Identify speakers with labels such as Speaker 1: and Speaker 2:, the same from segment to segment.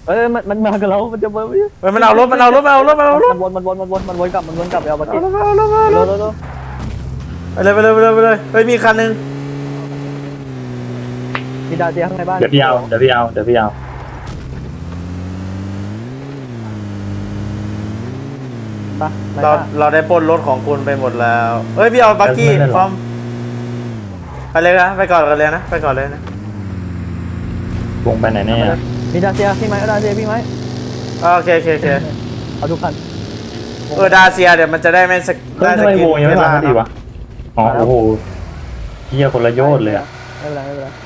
Speaker 1: เอ้ยมันมากับเรามันจะมา
Speaker 2: เฮ้ยมันเอารถมันวน
Speaker 1: กลับไปเอาบัตร
Speaker 2: เอารถ
Speaker 1: เร็วเร็ว
Speaker 2: ไปเลยเฮ้ยมีคันนึง
Speaker 1: มีดาวเจียข้างในบ้าน
Speaker 3: เดี๋ยวพี่เอา
Speaker 1: ปะ
Speaker 2: เราได้ปล้นรถของคุณไปหมดแล้วเฮ้ยพี่เอาบักกี้พร้อมไปเลยนะไปก่อนเลยนะไปก่อนเลยนะ
Speaker 3: วงไปไหนเนี่ย
Speaker 1: มีดาวเจียพี่ไหมดาวเจียพี่ไหม
Speaker 2: โอเค
Speaker 1: เอาทุกคัน
Speaker 2: ดาเซียเดี๋ยวมันจะได้ไม่สก
Speaker 3: เฮ้ยทำไมวงยังไม่มาดีวะอ๋อโอ้โหเฮียคนละโยชน์เลยอะ
Speaker 1: ไม่เป็นไร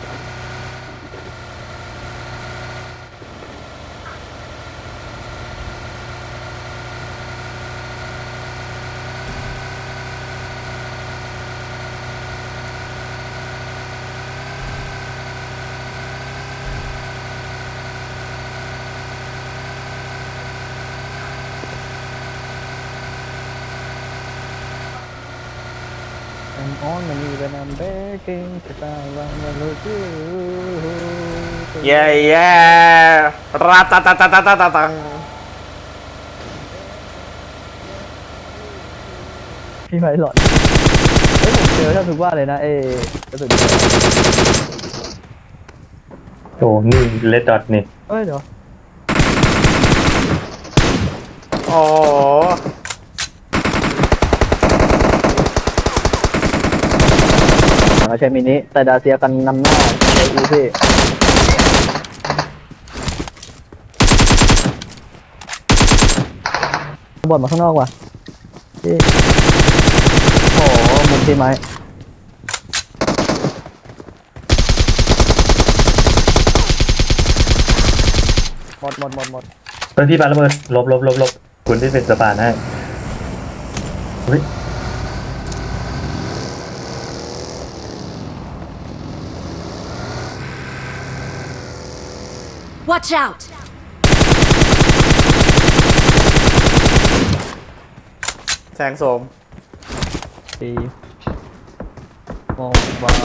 Speaker 1: I'm on my knees and I'm begging to someone to lose you
Speaker 2: เย้ราตาตาตาตาตาตาตัง
Speaker 1: พี่ไม้หลอดเฮ้ยผมเจอแทบทุกว่าเลยนะกระสุน
Speaker 3: โอ้นี่เลดดอทนี่
Speaker 1: เอ้ยเดี๋ยว
Speaker 2: อ๋อ
Speaker 1: ใช้มินิแต่ดาเซียกันนำหน้าใช้อีพี่บอลมาข้างนอกว่ะพี่โอ้โหมุมพี่ไม้หมด
Speaker 3: เฮ้ยพี่ปาระเบิดลบคุณที่เป็นสะพานให้เฮ้ย
Speaker 4: Watch out!
Speaker 2: แสงโสม
Speaker 1: ตีมองบา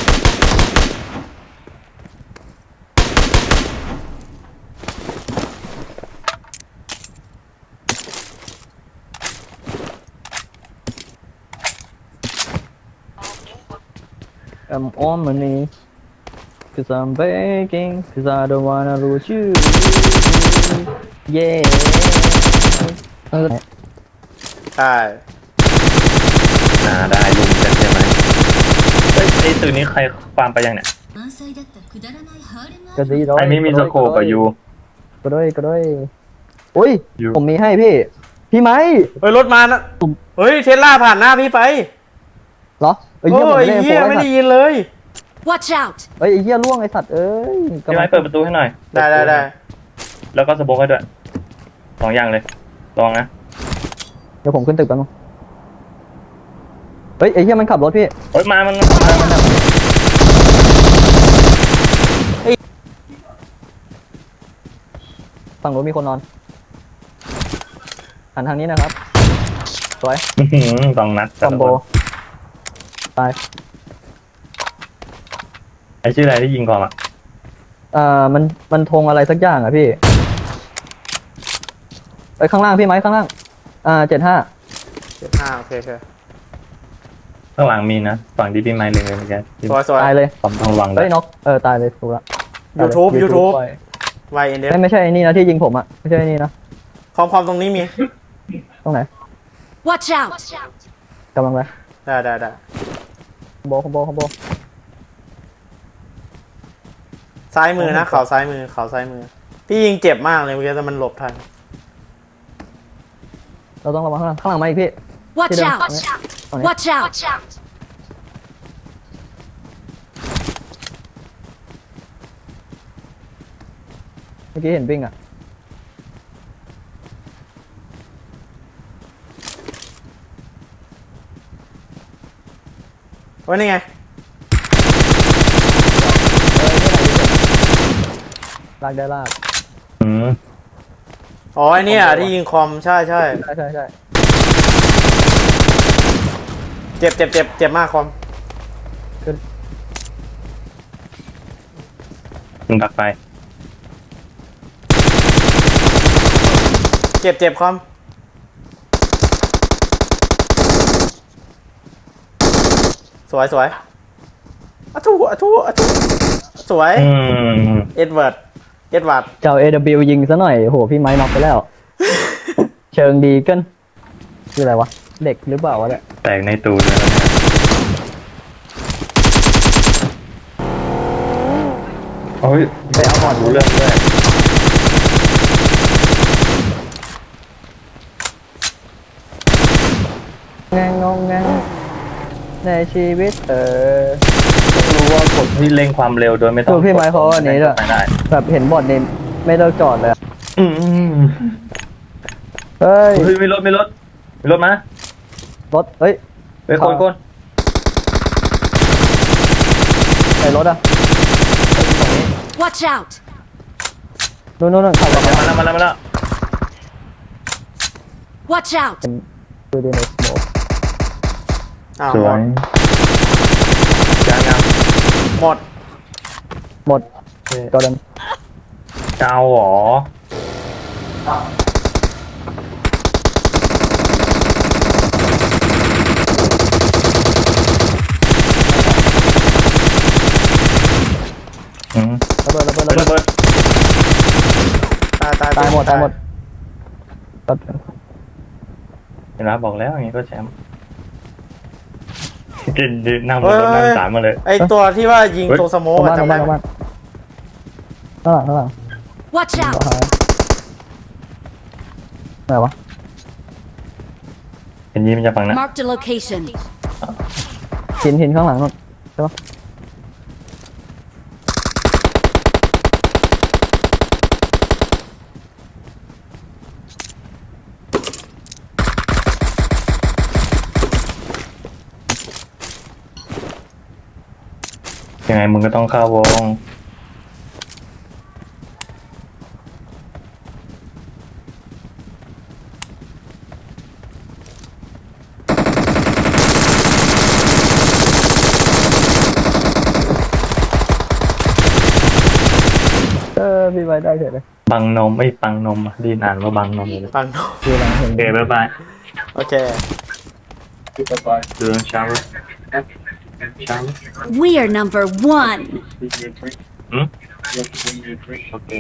Speaker 1: I'm on my knees cause I'm begging cause I don't wanna lose you yeah
Speaker 2: ใช่
Speaker 3: ได้ลุงกันใช่ไหมเฮ้ยไอ้ตัวนี้ใครฟาร์มไปยังเนี่ย
Speaker 1: ก็ดีร้อย
Speaker 3: ไอ้ไม่มีสโคปอะยู
Speaker 1: ก็ด้วยอุ้ย
Speaker 3: อยู่
Speaker 1: ผมมีให้พี่ไหม
Speaker 2: เฮ้ยรถมานะเฮ้ยเทสลาผ่านหน้าพี่ไป
Speaker 1: เหรอ
Speaker 2: โอ้ยเหี้ยไม่ได้ยินเลย
Speaker 4: Watch out!
Speaker 1: ไอ้เหี้ยล่วงไอ้สัตว์เอ้ย
Speaker 3: พี่ไม้เปิดประตูให้หน่อย
Speaker 2: ได้
Speaker 3: แล้วก็สโบกให้ด้วยสองอย่างเลยลองนะ
Speaker 1: เดี๋ยวผมขึ้นตึกแป๊บนึงเฮ้ยไอ้เหี้ยมันขับรถพี่
Speaker 3: เฮ้ยมัน
Speaker 1: ฝั่งรถมีคนนอนหันทางนี้นะครับสวย
Speaker 3: สองนัด
Speaker 1: คอมโบตาย
Speaker 3: ไอ้ชื่ออะไรที่ยิงก่อนอ่ะ
Speaker 1: มันธงอะไรสักอย่างอ่ะพี่ไอ้ข้างล่างพี่ไหมข้างล่าง75
Speaker 2: โอเค
Speaker 3: ข้างหลังมีนะฝั่งที่พี่ไม้เล็งเลยเมื่อกี้
Speaker 2: สวย
Speaker 1: ตายเลย
Speaker 3: ผมต้องระวังด้ว
Speaker 1: เฮ้
Speaker 3: ย
Speaker 1: ยน็อกตายเลยถูกละ
Speaker 2: YouTube
Speaker 1: ปล่อย
Speaker 2: ไวเอ็นเดฟ
Speaker 1: ไม่ใช่ไอ้นี่นะที่ยิงผมอ่ะไม่ใช่ไอ้นี่นะ
Speaker 2: ความตรงนี้มี
Speaker 1: ตรงไหน
Speaker 4: Watch out!
Speaker 1: กำลังไป
Speaker 2: ได้
Speaker 1: คอมโบ
Speaker 2: ซ้ายมือนะเขาซ้ายมือพี่ยิงเจ็บมากเลยเมื่อกี้แต่มันหลบทัน
Speaker 1: เราต้องระวังข้างหลังมาอีกพี่
Speaker 4: Watch
Speaker 1: Sit down.
Speaker 4: out! Watch out!
Speaker 1: เมื่อกี้เห็นวิ่งอ่ะ
Speaker 2: ว่านี่ไง
Speaker 1: ลากได้ลาก
Speaker 2: อ๋อไอเนี่ยที่ยิงคอมใช่
Speaker 1: ใช่
Speaker 2: เจ็บมากคอม
Speaker 3: คุณดักไป
Speaker 2: เจ็บคอมสวยอะทูสวย เอ็ดเวิร์ด
Speaker 1: เจ้า AW ยิงซะหน่อยโหพี่ไม้น็อกไปแล้ว เชิงดีเกินคืออะไรวะเด็กหรือเปล่าวะเนี่ย
Speaker 3: แตกในตูดแล้วเนี่ยโอ้ยไปเอาบอลรู้เรื่องด้วย
Speaker 1: งงในชีวิต
Speaker 3: ต้องรู้ว่ากดที่เร่งความเร็วโดยไม่ต้อง
Speaker 1: พี่ไม้เขาอันนี้ด้วย
Speaker 3: ไปได้
Speaker 1: แบบเห็นบอดนี่ไม่เลิกจอดเลยอะ
Speaker 3: อืม
Speaker 1: เฮ้ย
Speaker 3: เฮ้ยมีรถมาร
Speaker 1: ถเฮ้ย
Speaker 3: เฮ้ยคน
Speaker 1: ไหนรถอะ
Speaker 4: Watch out!
Speaker 1: นู่นขับมา
Speaker 3: มาแล้ว
Speaker 4: Watch out!
Speaker 1: ดูดีในสโมก
Speaker 2: อ้าว
Speaker 3: ส
Speaker 2: หม
Speaker 3: วย
Speaker 2: ด
Speaker 3: ยัง
Speaker 1: หมดจอดัน
Speaker 3: เจ้าหรออืม
Speaker 1: ระเบิด
Speaker 3: ระเบิด
Speaker 1: ตายหมดก็
Speaker 3: เห็นไหมบอกแล้วอย่างงี้ก็แชมป์ดินั่งบนรถนั่งสามมาเลย
Speaker 2: ไอตัวที่ว่ายิงตรงสโมกอะจำได้ไหม
Speaker 1: ข้างหลัง
Speaker 4: Watch
Speaker 1: ขวา
Speaker 4: out!
Speaker 1: ไหนวะ
Speaker 3: เห็นยิ้มจะฟังนะ
Speaker 4: Marked a location.
Speaker 1: หินข้างหลังนู่นใช่ปะ
Speaker 3: ยังไงมึงก็ต้องเข้าวง
Speaker 1: พี่ไว้ได้เฉยเลย
Speaker 3: บังนมไอ้ปังนมดีนอ่านว่าบังนมเลย
Speaker 2: ปังโน
Speaker 1: คือหลังเห็น
Speaker 3: โอเคบ๊ายบาย
Speaker 2: โอเค
Speaker 3: ดูชาร์
Speaker 4: We are number one.
Speaker 3: อืมโอเค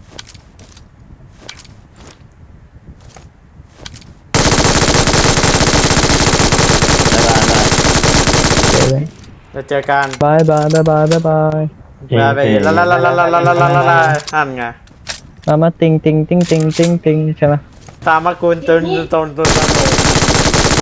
Speaker 2: จะเจอกัน
Speaker 1: บาย
Speaker 2: ไปละนั่นไง
Speaker 1: มาติงใช่ไหม
Speaker 2: ตามมากุลตุน